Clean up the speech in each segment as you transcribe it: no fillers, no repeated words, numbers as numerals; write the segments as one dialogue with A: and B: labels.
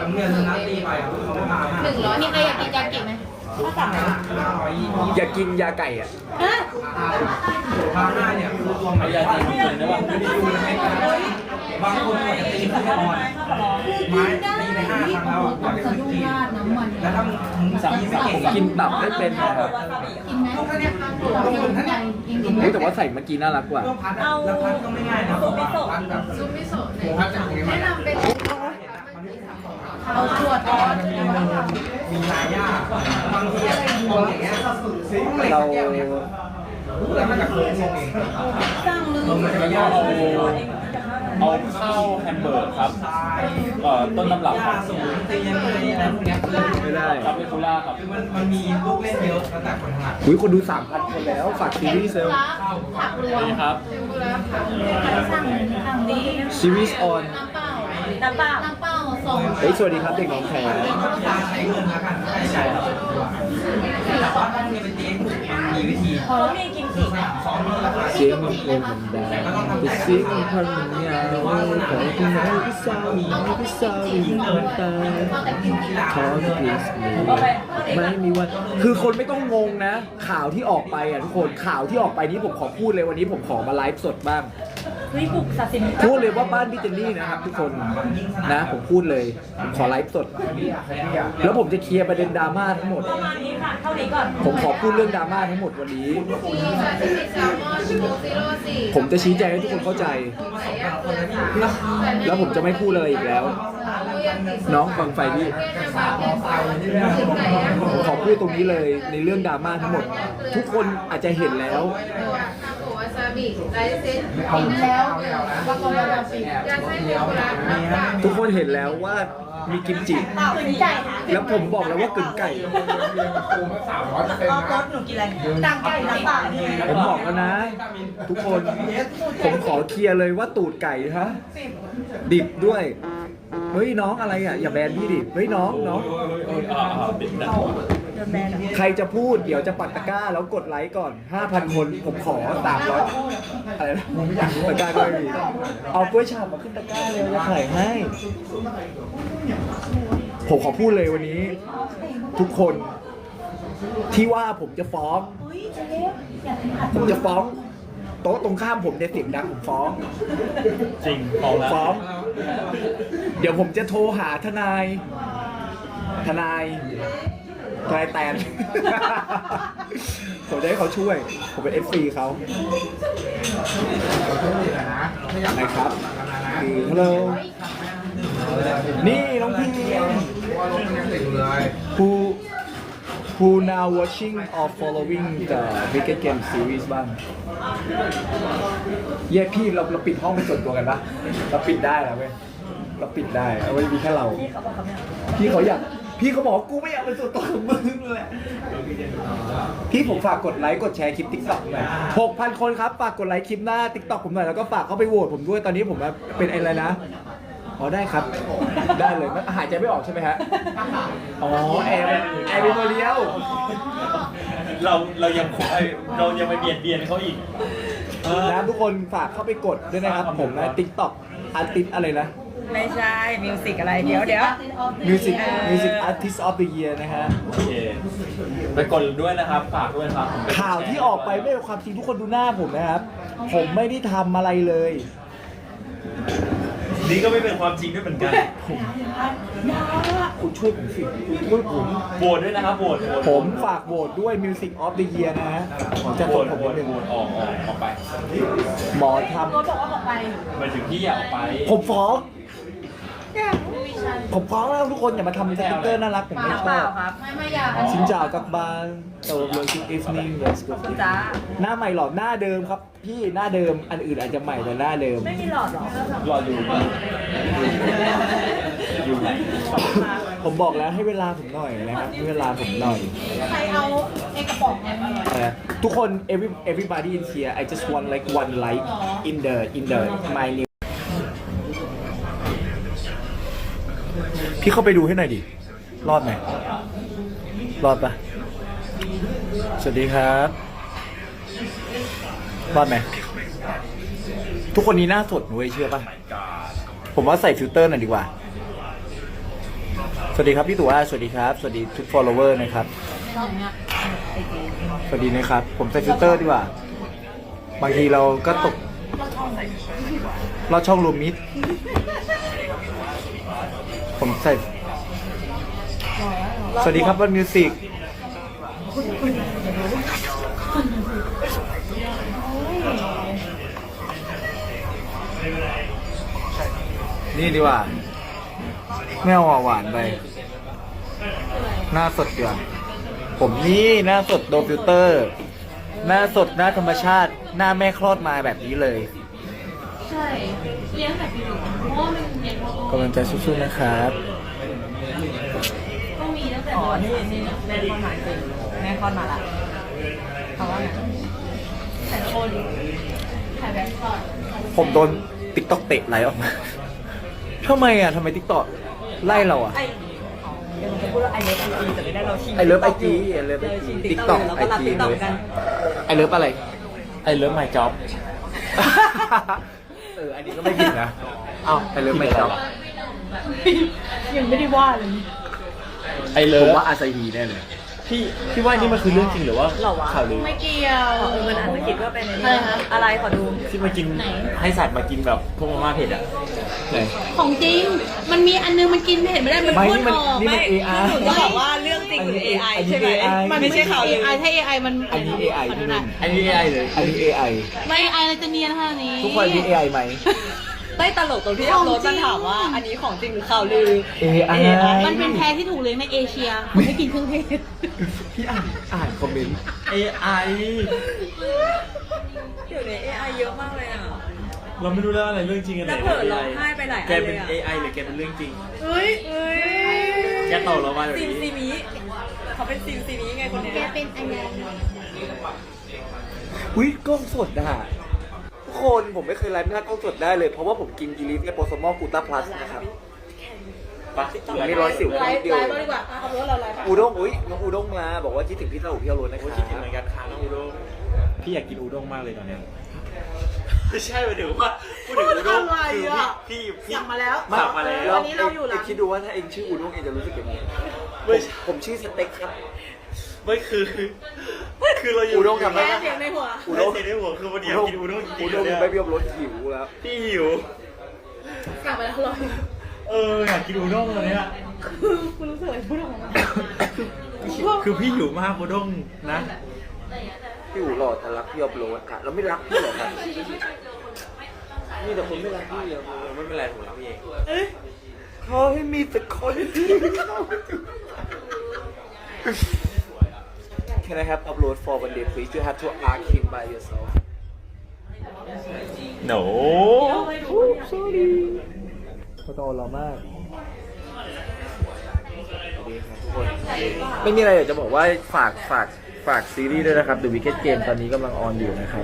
A: เรียนนัดตีไปเขาไม่มา
B: 100มีใครอยากกินยากิไหมถ้าสั่ง
C: อยากกินยาไก่อ่ะ
A: 5เนี่ยคือรวมยาจีนกินได้ป่ะบางคนอาจจะตีที่นอนไม้ตีไป5 ครั้งแล้วกว่าจะถึงที่แล้วถ้ามึงสั่ง
C: ผมกินตับไม่เป็นนะครับ
B: กินไหม
C: แต่ว่าใส่เมื่อกี้น่ารักกว่า
A: แล้วพัดก็ไม่ง่ายนะพัดแบบ
B: ซุปมิโซะแนะนำเป็นเอาขวดร้อน
A: มีลายยากบางทีอย่างเงี้ย
C: เรา
A: แล้วมันจะโค้งลงเอง
B: สร้างลืม
D: เอาข้าวแฮมเบอร์กครับต้นตำรับครับ
A: ตียังไงอะไรพวกนี้
C: ไม่ได้
D: ครับเปคูล่าครับ
A: คือมันมีลูกเล่นเยอะแล้วแต่คนถนัด
C: อุ้ยคนดู 3,000 คนแล้วฝากซีรีส์เซล
B: ผักรวม
D: นี่ครับ
B: สั่งนี้
C: ซีรีส์ออน
B: น้ำเปล่าส่ง
C: เฮ้ยสวัสดีครับเด็กน้องแขก
A: ใช้เงินแล้วกันใช้แต่ว่าต้องมีเป็นเจ๊ถูกมีวิธี
B: พอแล้วมีกินสิ
A: ซ้อมราคา
C: เสียงมันโคตรมันได้แต่เสียงมันพันมันยาวขอคุณไหนก็เศร้าก็เศร้ายิ่งตายขอที่พลีสไม่มีวันคือคนไม่ต้องงงนะข่าวที่ออกไปอ่ะทุกคนข่าวที่ออกไปนี้ผมขอพูดเลยวันนี้ผมขอมาไลฟ์สดบ้าง
B: บุกศาสิน
C: พูดเลยว่าบ้านพี่เจนนี่นะครับทุกคนนะผมพูดเลยผมขอไลฟ์สดแล้วผมจะเคลียร์ประเด็นดราม่าทั้งหมด
B: ประมาณนี้ค่ะเท่านี้ก่อน
C: ผมขอพูดเรื่องดราม่าทั้งหมดวันนี้ผมจะชี้แจงให้ทุกคนเข้าใจแล้วผมจะไม่พูดอะไรอีกแล้วน้องฟังไฟพี่ผมขอพูดตรงนี้เลยในเรื่องดราม่าทั้งหมดทุกคนอาจจะเห็นแล้วทุกคนเห็นแล้วว่ามีกิมจิแล้วผมบอกแล้วว่ากึ่งไก่
B: หนูกินอะไรต่างไก่น้ำเปล่า
C: ผมบอกแล้วนะ ทุกคนผมขอเคลียร์เลยว่าตูดไก่ฮะดิบด้วยเฮ้ยน้องอะไรอ่ะอย่าแบนพี่ดิเฮ้ยน้องใครจะพูดเดี๋ยวจะปักตะกร้าแล้วกดไลค์ก่อน 5,000 คนผมขอ300อะไรนะตะกร้าก็ไม่มีเอากล้วยฉาบมาขึ้นตะกร้าเลยจะขายให้ผมขอพูดเลยวันนี้ทุกคนที่ว่าผมจะฟ้องโต๊ะตรงข้ามผมเนี่ยเสียงดังผมฟ้อง
D: จริง
C: ฟ้องเดี๋ยวผมจะโทรหาทนายแตนผมจะให้เขาช่วยผมเป็น FC เขานะครับฮัลโหลนี่น้องพี่who now watching or following the Wicked Game series บ้างเย้พี่เราปิดห้องเป็นส่วนตัวกันปะเราปิดได้แล้วเว้ยเราปิดได้เอาไว้มีแค่เราพี่เขาบอกกูไม่อยากเป็นส่วนตัวของมึงเลยพี่ผมฝากกดไลค์กดแชร์คลิป TikTok หน่อย 6,000 คนครับฝากกดไลค์คลิปหน้า TikTok ผมหน่อยแล้วก็ฝากเข้าไปโหวตผมด้วยตอนนี้ผมเป็นอะไรนะอ๋อได้ครับได้เลยหายใจไม่ออกใช่ไหมฮะอ๋อแอร์เป็นตัวเดียว
D: เรายังไปเบียดเขาอีก
C: นะทุกคนฝากเข้าไปกดด้วยนะครับผมนะ TikTok อาร์ติสอะไรนะ
B: ไม่ใช่มิวสิกอะไรเดี๋ยว
C: Music Artist of the Year นะฮะ
D: โอเคไปกดด้วยนะครับฝากด้วยครับ
C: ข่าวที่ออกไปไม่เป็นความจริงทุกคนดูหน้าผมนะครับผมไม่ได้ทำอะไรเลย
D: นี่ก็ไม่เป็นความจริงด้วยเหมือนกัน
C: คุณช่วยผมสิช่วยผม
D: โหวตด้วยนะครับโหวต
C: ผมฝากโหวตด้วย Music of the Year นะฮะจะโหวตผมนิดนึง
D: ออกไป
C: หมอทำ
B: บอกว่าออกไป
D: หมายถึงพี่อยากออกไป
C: ผมฟ้องแล้วทุกคนอย่ามาทำสติ๊กเกอร์น่ารักผมไม่ชอบ
B: ไม่อยาก
C: ชินจ่ากับบานโตโลชิอีฟนิ่งเลสกู
B: จ้า
C: หน้าใหม่หรอหน้าเดิมครับพี่หน้าเดิมอันอื่นอาจจะใหม่แต่หน้าเดิม
B: ไม่มีหลอดหรอ
D: หลอดอยู่ไหน
C: ผมบอกแล้วให้เวลาผมหน่อยนะครับให้เวลาผมหน่อย
B: ใครเอาไอ้กระป๋อง
C: ทุกคน everybody in here I just want like one like in the my new พี่เข้าไปดูให้หน่อยดิรอดไหมรอดปะสวัสดีครับรอดไหมทุกคนนี้หน้าสดหนูเชื่อปะผมว่าใส่ฟิลเตอร์หน่อยดีกว่าวัสดีครับพี่ตู่สวัสดีครับ สวัสดีทุก follower นะครับ สวัสดีนะครับ ผมใส่ฟิลเตอร์ดีกว่า บางทีเราก็ตกเราช่องรวมมิตรผมใส่ สวัสดีครับวันมิวสิกนี่ดีกว่าไม่เอาหวานไป หน้าสดเดือนผมนี่หน้าสดโดนฟิลเตอร์ หน้าสดหน้าธรรมชาติ หน้าแม่คลอดมาแบบนี้เลย
E: ใช่เลี้ยงแบบอยู่เพราะว่ามันเย็น
C: กำลังใจสู้ๆนะครับ
E: ก็มีตั้งแต่
B: อ๋อนี่แม่คอนมาจริงแม่คอนมาละเขาว่าไง
E: แต่คนถ่ายแบบก่อน
C: ผมโดนติ๊กต็อกเตะไล่ออกมาทำไมอ่ะทำไมติ๊กต็อกไล่เราอ่ะ
B: ไอเดี๋ยวมันจะพูดว่าไอเลิฟไอจีแต่ไม่ได้เราชิง
C: ไอเลิฟไอจีไอเลิฟไอจีติ๊กต็อก
B: เรา
C: ไอ
B: ก็รับ
C: จี
B: ติ๊กต็อกกัน
C: ไอเลิฟอะไร
D: ไอเลิฟไมจ็อบ
C: อันนี้ก็ไม่ผิดนะอ้าวไอเลิฟไม่จบ
B: ยังไม่ได้ว่าเลย
D: ไอเลิ
C: ผม
D: ฟ
C: ว่าอาซาฮีแน่เลย
D: พี่ว่านี่มันคือเรื่องจริงหรือว่า
B: หรอวะ
D: ข่าวลือ
E: ไม่เกี่ยว
B: มันอาจจะคิดว่าเป็น
E: อะไรคะ
B: อะไรขอดู
D: ที่มากินให้สัตว์มากินแบบพวกมาม่าเผ็ดอ่ะไหน
E: ของจริง มันมีอันนึงมันกินเผ็ดไม่ได้มัน
C: ไม่
E: พ่น
C: นี่มัน
E: ออก
C: นี่มัน AI
B: หนูจะบอกว่าเรื่องจริงหรือ AI ใช่ไหม
C: อันนี้ AI
B: ไม่ใช่ข่าวลือ
E: AI ถ้า AI มัน
C: อันนี้ AI
E: ขอดูหน่อย
D: อันนี้ AI เลย
C: อันนี้ AI
E: ไม่ AI อะไรจะเนียนขนาดนี้
C: ทุกคนอันนี้ AI ไหม
B: ได้ตลกตรงที่อัพโหลดมันถามว่าอันนี้ของจริงหรือข่าวลือ
C: AI
E: มันเป็นแพะที่ถูกเลี้ยงในเอเชียมันไม่กินเครื่องเทศ
C: พี่อ่านคอมเมนต์
D: AI
B: เดี๋ยวนี้ AI เยอะมากเลยอ่ะ
D: เราไม่รู้แล้วอะไรเรื่องจริงอะไร
B: แล้วเผลอร้องไห้ไปหลายอัน
D: แกเป็น
B: เลยอะ
D: AI หรือแกเป็นเรื่องจริง
B: เฮ้ยเฮ้ย
D: แกตอบเรามาแบบ
B: ซิมซี
D: นี้
B: มิเขาเป็นซิมซีมิไงคนเนี้ย
E: แกเป็นอะไร
C: อุ้ยกล้องสดอ่ะทุกคนผมไม่เคยไลฟ์หน้ากล้องสดได้เลย เพราะว่าผมกินกิลิสและโปรโซมอลกูต้าพลัสนะครับ
D: ปะ
C: ผมมี110
B: ไล
C: นิด
B: ฟ์
C: เดียว
B: ไลฟ์บ้างดีกว่าอ่ะขับรถเราไลฟ์
C: อูด้งอุ้ยน้องอูด้งมาบอกว่าคิดถึงพี่เต้าหูพี่เอารถนะค
D: โอ้
C: รับ
D: ยคิดถึงเหมือนกันค่ะน้องอูด้งพี่อยากกินอูด้งมากเลยตอนเนี้ยไม่ใช่หมายถึงว่าพูดถึงอูด้งคือพี่
B: สั่งมาแล้ว
D: สั่งมาแล้ว
B: วันนี้เราอยู่ร้าน
C: คิดดูว่าถ้าเองชื่ออูด้งเองจะรู้สึกยังไง
D: ไม่ใช่
C: ผมชื่อสเต็กครับ
D: ไม่คือเราอยู่
C: อูด้งทำได้
B: แค่เสียงในหัว
D: อูด้งเสียงในหัวคือวันนี้อยากกินอูด้งจริ
C: อู
D: งๆ
C: ด้ง
D: เนี่ย
C: ไม่เบี้ยวรถหิวแล้ว
D: พี่หิว
B: สั่งมาแล้วอร่อย
D: อยากกินอูด้งตอนเนี้ย
B: คุณรู้สึกอะไรพูดออกมา
D: คือพี่หิวมากอูด้งนะ
C: พี่อูหล่อแต่รักพี่อัพโหลดค่ะเราไม่รักพี่หรอครับนี่แต่คนไม่รักพี่อะ
D: ไม่เป็นไรผมรักพี่เอง
C: ขอให้มีแต่คนที่Can I have upload for one day please? You have to ask him by yourself.
D: no
C: เขาโตเรามากสวัสดีครับทุกคนไม่มีอะไรอยากจะบอกว่าฝากซีรีส์ด้วยนะครับ The Wicked Game ตอนนี้กำลังออนอยู่นะครับ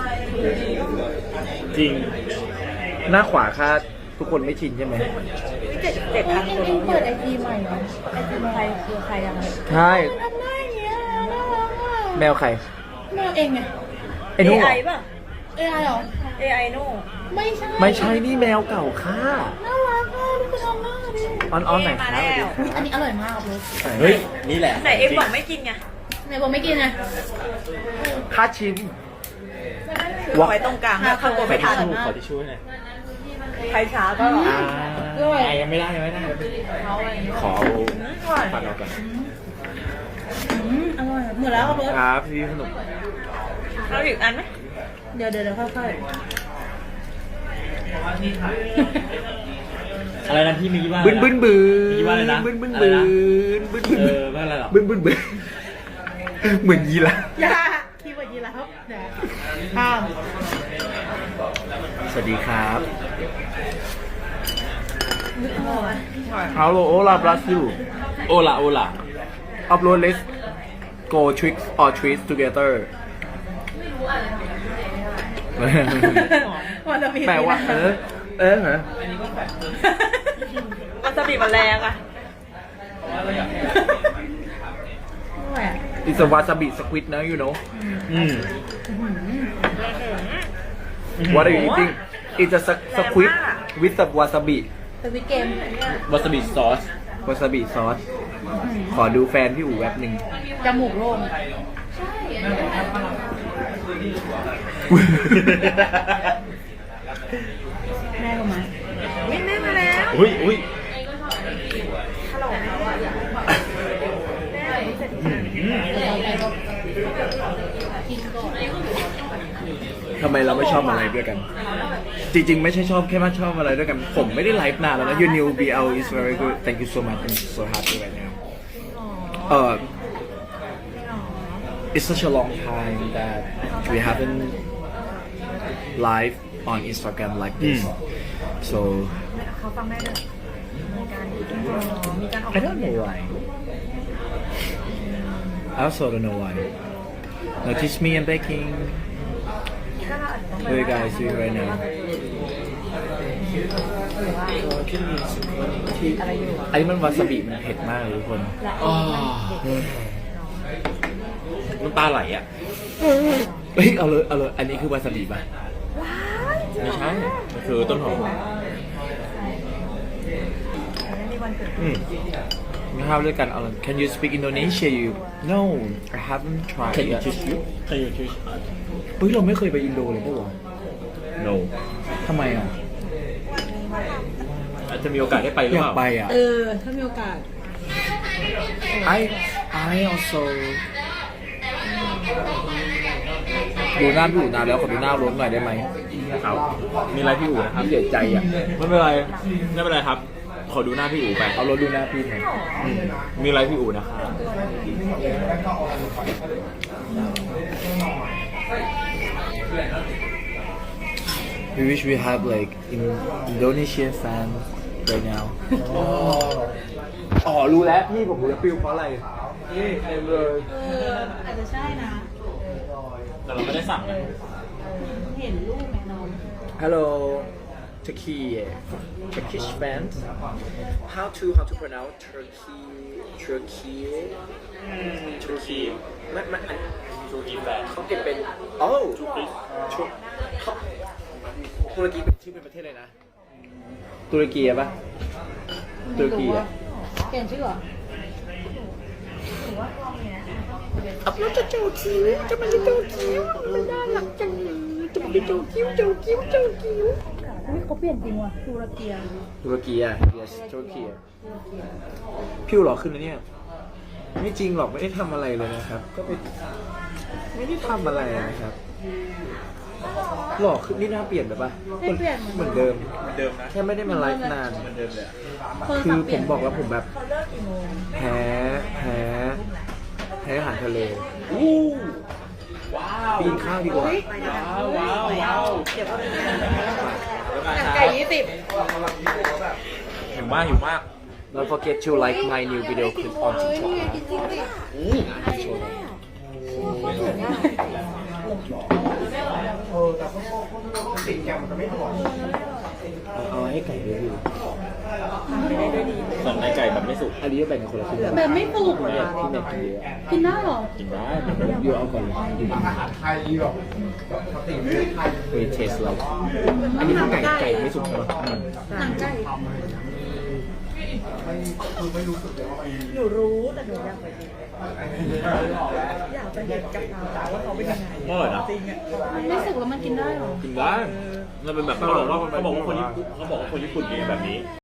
D: จริง
C: หน้าขวาค่าทุกคนไม่ชินใช่ไหม
B: 7,000 คน
E: เปิดไอจีใหม่เหรอไอจีใครคือใครยังไง
C: ใช่
E: ทำได้อย่างเงี้ยน่ารักอ่ะ
C: แมวใคร
E: แมวเองไง
C: ไอ้นุ่งเหรอ
B: AI ป่ะ
E: AI เหรอ
B: AI โน่
E: ไม่ใช่
C: ไม่ใช่นี่แมวเก่าค่ะ
E: น่ารักอ่ะดูเป็นออนหน้าดิ
C: ออนไหนคะสวัสดี
E: อุ๊ย
C: ค
E: อั
C: รั
E: น
C: บ
E: นี้อร่อยมากเลย
D: เฮ้ย นี่แหละ
B: ไหนเอ็มบอกไม่กินไง
E: ไหนบอกไม่กินไง
C: ค่าชิม
B: วางไว้ตรงกลางถ้าเข้าตัวไม่ทัน
D: ขอที่ช่วยหน่อย
B: ใครช้าก็
D: ยังไม่ได้ขอฟันออกก่อน
E: อร่อยหมดแล้วครับเบิร์ต
C: ครับพี่สนุก
B: เราอีกอันไหม
E: เดี๋ยวค่อย
D: อะไรนะพี่มีว่า
C: บึ้นบึ้นบึ้
D: มีว่าอะไรนะ
C: บึ้นบึ้น
D: อะไร
C: บึ้น
D: นะ
C: บึ้นบึ้น
D: ว่าอะไรหรอ
C: บึ้นบึ้นบึ้นเหมือนยีราฟ
E: ๆอย่าคีย์เวิร์ดยีราฟเดี๋ยวข้าม
C: สวัสดีครับ
E: อร่อย
C: Hello hola Brazil
D: โอล่า
C: Upload let's go tricks or treats together
E: วันจะมี
C: แปลว่าเหรอ
B: วาซาบิมันแรงอ่ะ
C: It's a wasabi squid now you know
B: ว
C: What are you eating It's a squid with a wasabi
E: สวิตเกม
D: วาซาบิซอส
C: วาซาบิซอส ขอดูแฟนพี่อู๋แวบหนึ่ง
B: จมูกโล่ง
E: ใช่
B: แม่ก็มาวิ่งแม่มาแล้ว
D: อุ้ยอุ้ย
B: ฮัลโหลแม่เสร็จ
C: ทำไมเราไม่ชอบอะไรด้วยกัน จริงๆ ไม่ใช่ชอบแค่ว่าชอบอะไรด้วยกัน ผมไม่ได้ไลฟ์นานแล้วนะ Your new BL is very good thank you so much I'm so happy right now it's such a long time that we haven't live on Instagram like this so
B: เขาฟังแม่ด้วยมีการออก
C: I don't know why I also don't know why notice me and baking what are you guys doing right now
B: อะไรอยู่
C: อันนี้มันวาซาบิมันเผ็ดมากเลยทุกคน
D: น้ำตาไหลอ่ะ
C: เฮ้ยเอาเลยอันนี้คือวาซาบิป่ะ
D: ไม่ใช่ มันคือต้นหอม
B: ในวันเกิด
C: ไม่ห้ามด้วยกันเอาเลย Can you speak Indonesia you No I haven't tried
D: Can you
C: yet
D: choose you Can you choose
C: เฮ้ยเราไม่เคยไปอินโดเลยปะวะ
D: No
C: ทำไมอ่ะ
D: อาจจะมีโอกาสได้ไปหรือ
C: อยา
D: เป
C: ก
D: ล่า
C: ไปอ่ะ
B: ถ้ามีโอกาส
C: I also ดูหน้าพี่อู๋นานแล้วขอดูหน้ารถหน่อยได้ไหม
D: เอามีอะไรพี่อู๋นะครับ
C: เสียใจอ่ะ
D: ไม่เป็นไร ไม่เป็นไรครับ ขอดูหน้าพี่อู๋ไป
C: เอารถดูหน้าพี่หน่อย
D: มีอะไรพี่อู๋นะครับ
C: We wish we have like Indonesian fan right now อ๋อรู้แล้วพี่ผมรู้แล้วฟิลเพราะอะไรนี่เต็มเลย
E: อาจจะใช่นะ
D: แต่เราไม่ได้สั่งนะ
E: เห็นรูปแม่น้อง
C: Hello Turkey Turkish fans how to pronounce Turkey
D: ทูคี
C: ไม่อัน
D: ทูคีแฟน
C: เขาเก็บเป็นโอ้
D: ทูคี
C: ตุรกีเป็นชื่อเป็นประเทศเลยนะตุรกีอะปะตุรกีอะ
E: เปลี่ยนชื่อเหรอ
C: อัพแล้วจะโจคิ้วจะมันจะโจคิ้วมันน่ารักจังเลยจะมันจะโจคิ้ว
E: อุ้ยเขาเปลี่ยนจริงว่ะตุรเกีย
C: ตุรกีอะ yes ตุรกีอะผิวหล่อขึ้นนะเนี่ยไม่จริงหรอกไม่ได้ทำอะไรเลยนะครับ ก็ไปไม่ได้ทำอะไรนะครับหล่อขึ้นนี่หน้าเปลี่ยนไปปะ
E: ไม่เปลี่ยน
C: เหมือนเดิม
D: เหมือนเดิมนะ
C: แค่ไม่ได้มาไลฟ์นาน
D: เหมือนเดิมเลยอะ
C: คือผมบอกแล้วผมแบบแพ้อาหารทะเล
D: ว้าว
C: ไปกินข้าวดีกว่า
D: ว้าวว้าว
B: เดี๋ยวก็มี
D: หนัง
B: ไก่20
D: หิวมากหิวมาก
C: Don't forget to like my new video clip on TikTok นะเอาให้ไก่ด้วยพี่
D: ส่วนในไก่แบบไม่สุก
C: อันนี้ก็แบ่งกันคนละครึ่ง
E: แบบไม่ปลูก
C: พี่แม่กินเยอะ
E: กินได้เหรอ
D: กินได้
C: อยู่เอาก่อนเลยเฮ้ยเทสเราอันนี้คือไก่ไม่สุกใช่ไหม
E: หนังไก่
B: หนูรู้แต่หนูอยากไปกินอยากไปเห็นกับตาว่าเขาเป็นยังไง
D: อร่อยนะ
B: จริงอ่ะ
E: มันไม่สุกแล้วมันกินได้เหรอ
D: กินได้มันเป็นแบบเขาบอกว่าคนญี่ปุ่นกินแบบนี้